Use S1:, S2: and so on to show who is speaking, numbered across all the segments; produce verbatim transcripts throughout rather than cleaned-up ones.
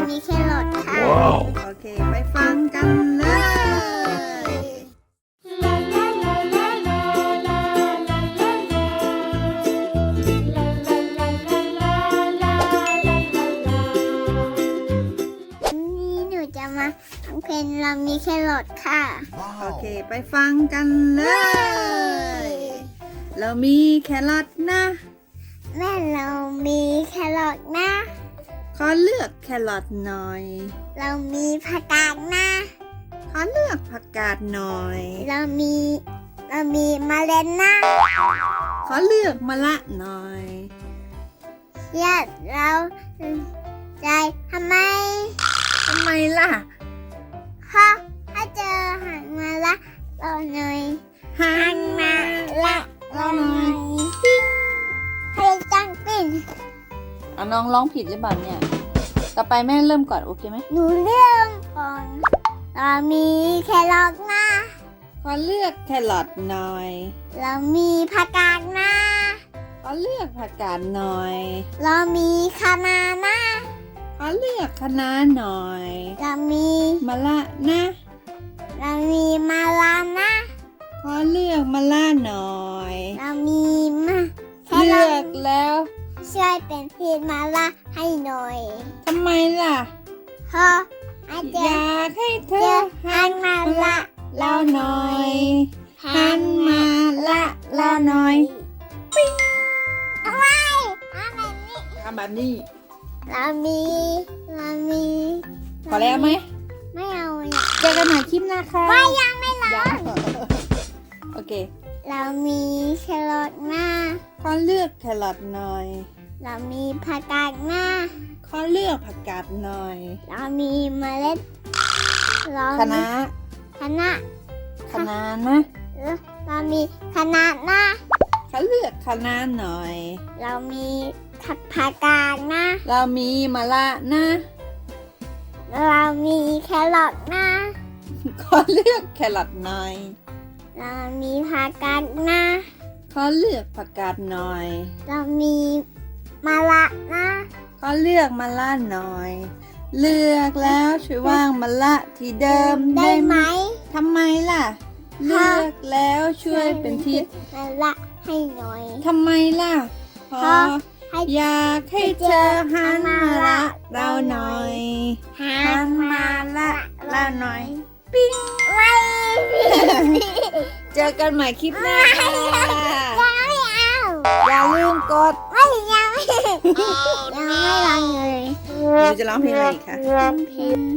S1: มีแครอทค่ะ
S2: โอเคไปฟังกันเลย
S1: นี่หนูจะมาฟังเพลงเรามีแครอทค่ะ
S2: โอเคไปฟังกันเลย เรามีแครอทนะ
S1: แม่เรามีแครอทนะ
S2: ขอเลือกแครอทหน่อย
S1: เรามีผักกาดนะ
S2: ขอเลือกผักกาดหน่อย
S1: เรามีเรามีเมล็ดนะ
S2: ขอเลือกมะละหน่อย
S1: ญาติเราใจทำไม
S2: ทำไมล่ะ
S1: เพราะถ้าเจอหันมาละเราหน่อย
S2: หั
S1: หั
S2: น
S1: น
S2: มา
S1: มาละเราหน่อยให้จังปิ้น
S2: เอาน้องร้องผิดหรือเปล่าเนี่ย ต่อไปแม่เริ่มก่อนโอเคไหม
S1: หนูเรื่องก่อนเรามีแครอทนะ
S2: ขอเลือกแครอทหน่อย
S1: เรามีผักกาดนะ
S2: ขอเลือกผักกาดหน่อย
S1: เรามีคะน้านะ
S2: ขอเลือกคะน้าหน่อย
S1: เรามี
S2: มะละนะ
S1: เรามีมะลานะ
S2: ขอเลือกมะละหน่อย
S1: เรามีมะแค
S2: เลื
S1: รอ
S2: อ
S1: ท
S2: กแล้ว
S1: ช่วยเป็นพีมะละให้หน่อย
S2: ทำไมล่ะ
S1: เพราะอาจ
S2: อ
S1: จะ
S2: ยากให้เธ
S1: เจ
S2: อ
S1: อหันมาละ
S2: เราหน่อย หันมาละเราหน่อย
S1: เอาไว้เอาแบบนี้
S2: ทำแบบนี้
S1: เรามี เรามี
S2: พอแล้วไหม
S1: ไม่เอาอยาก
S2: เจอกันใหม่คลิปหน้าค่ะ
S1: ไม่ยังไม่ร้อ
S2: ยัง
S1: น
S2: โอเค
S1: เรามีแครอทนะ
S2: ขอเลือกแครอทหน่อย
S1: เรามีผักกาดนะ
S2: ขอเลือกผักกาดหน่อย
S1: เรามีเมล็ดเรา
S2: คะน้า
S1: คณะ
S2: คะน้านะ
S1: เรามีคณะนะ
S2: ขอเลือกคะน้าหน่อย
S1: เรามีผักผักกาดนะ
S2: เรามีมะละนะ
S1: เรามีแครอทนะ
S2: ขอเลือกแครอทหน่อย
S1: เรามีผักกาดนะ
S2: ขอเลือกผักกาดหน่อย
S1: เรามีมะละนะ
S2: ขอเลือกมะละหน่อย เลือกแล้วช่วยว่างมะละที่เดิม
S1: ได้
S2: ได้
S1: ไห
S2: ไห
S1: ม
S2: มทำไมล่ะ เลือกแล้วช่วยเป็นทิศ
S1: มะละให้หน่อย
S2: ทำไมล่ะพอ
S1: ให้
S2: อยากให้เธอหันมาละเราหน่อย หันมาละเราหน่อย
S1: ปิ้งไม่
S2: เจอกันใหม่คลิปหน้าค่ะ
S1: ยังไม่เอา
S2: อย่าลืมกด
S1: ไม่ยังไม่ยังไม่รังเลย
S2: หนูจะร้องเพลงอะไรอีกคะ
S1: เพลง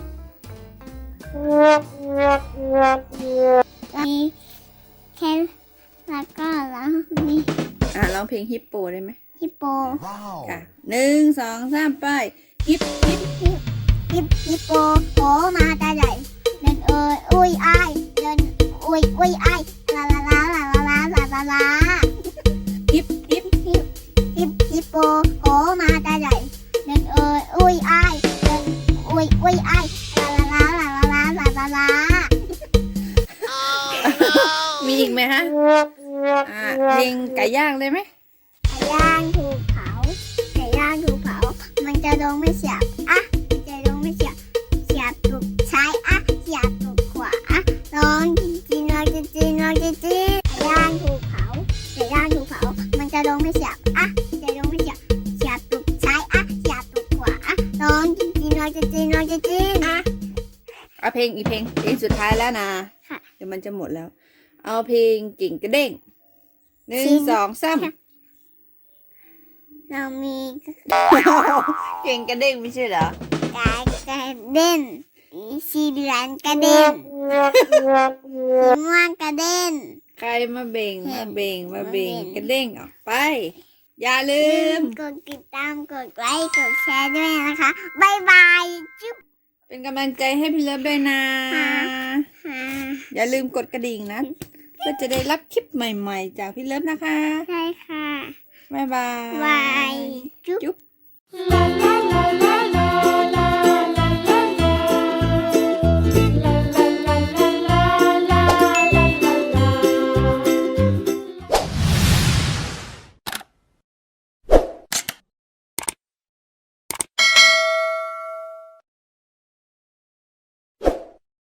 S1: มีแค่แล้วก็แล้วมี
S2: อ่ะร้องเพลงฮิปโปได้ไหม
S1: ฮิปโป
S2: ค่ะหนึ่งสองสามไปฮิปฮิป
S1: ฮิปฮิปโปโผล่มาตาใหญ่เดินเอ่ยอุ้ยอายเดินอุ้ยอุ้ยอายลาลาลาลาลาลาลาลาลา
S2: ฮิปฮิป
S1: ฮิปฮิปฮิปโปโผล่มาตาใหญ่เดินเอ่ยอุ้ยอายเดินอุ้ยอุ้ยอายลาลาลาลาลาลาลาลา
S2: มีอีกไหมฮะอ่าเพลงไก่ย่างเลยไหม
S1: ไก่ย่างถูกเผาไก่ย่างถูกเผามันจะลงไม่เสียบอ่ะจะลงไม่เสียบเสียบถูกซ้ายอ่ะเสียบถูกขวาลองจริงจริงลองจริงจริงลองจริงจริงไก่ย่างถูกเผาไก่ย่างถูกเผามันจะลงไม่เสียบอ่ะจะลงไม่เสียบเสียบถูกซ้ายอ่ะเสียบถูกขวาลองจริงจริงลองจริงจริงลองจริงจริงอ่ะ
S2: เอาเพลงอีกเพลงเพลงสุดท้ายแล้วนะ
S1: ค่ะ
S2: เดี๋ยวมันจะหมดแล้ว เอาเพลงกิ่งกระเด้งหนึ่ง
S1: จริง
S2: สองสาม
S1: เรามี
S2: เก่งกระเด้งไม่ใช่เหรอ
S1: กายกระเด็นสีเหลืองกระเด็นสีม่วงกระเด็น
S2: ใครมาเบ่ง
S1: เห็
S2: มาน เบ่งมาเบ่ง
S1: มาเบ่ง
S2: กระเด้งออกไป อย่าลืม
S1: กดติดตามกดไลค์กดแชร์ด้วยนะคะบายบายจุ๊บ
S2: เป็นกำลังใจให้พี่เลิฟด้วยนะ
S1: ค่ะ ค่ะ
S2: อย่าลืมกดกระดิ่งนะ เพื่อจะได้รับคลิปใหม่ๆ จากพี่เลิฟนะคะ
S1: ใช่ค่ะ
S2: บ๊ายบาย
S1: บายจุ๊บ
S2: จุ๊บ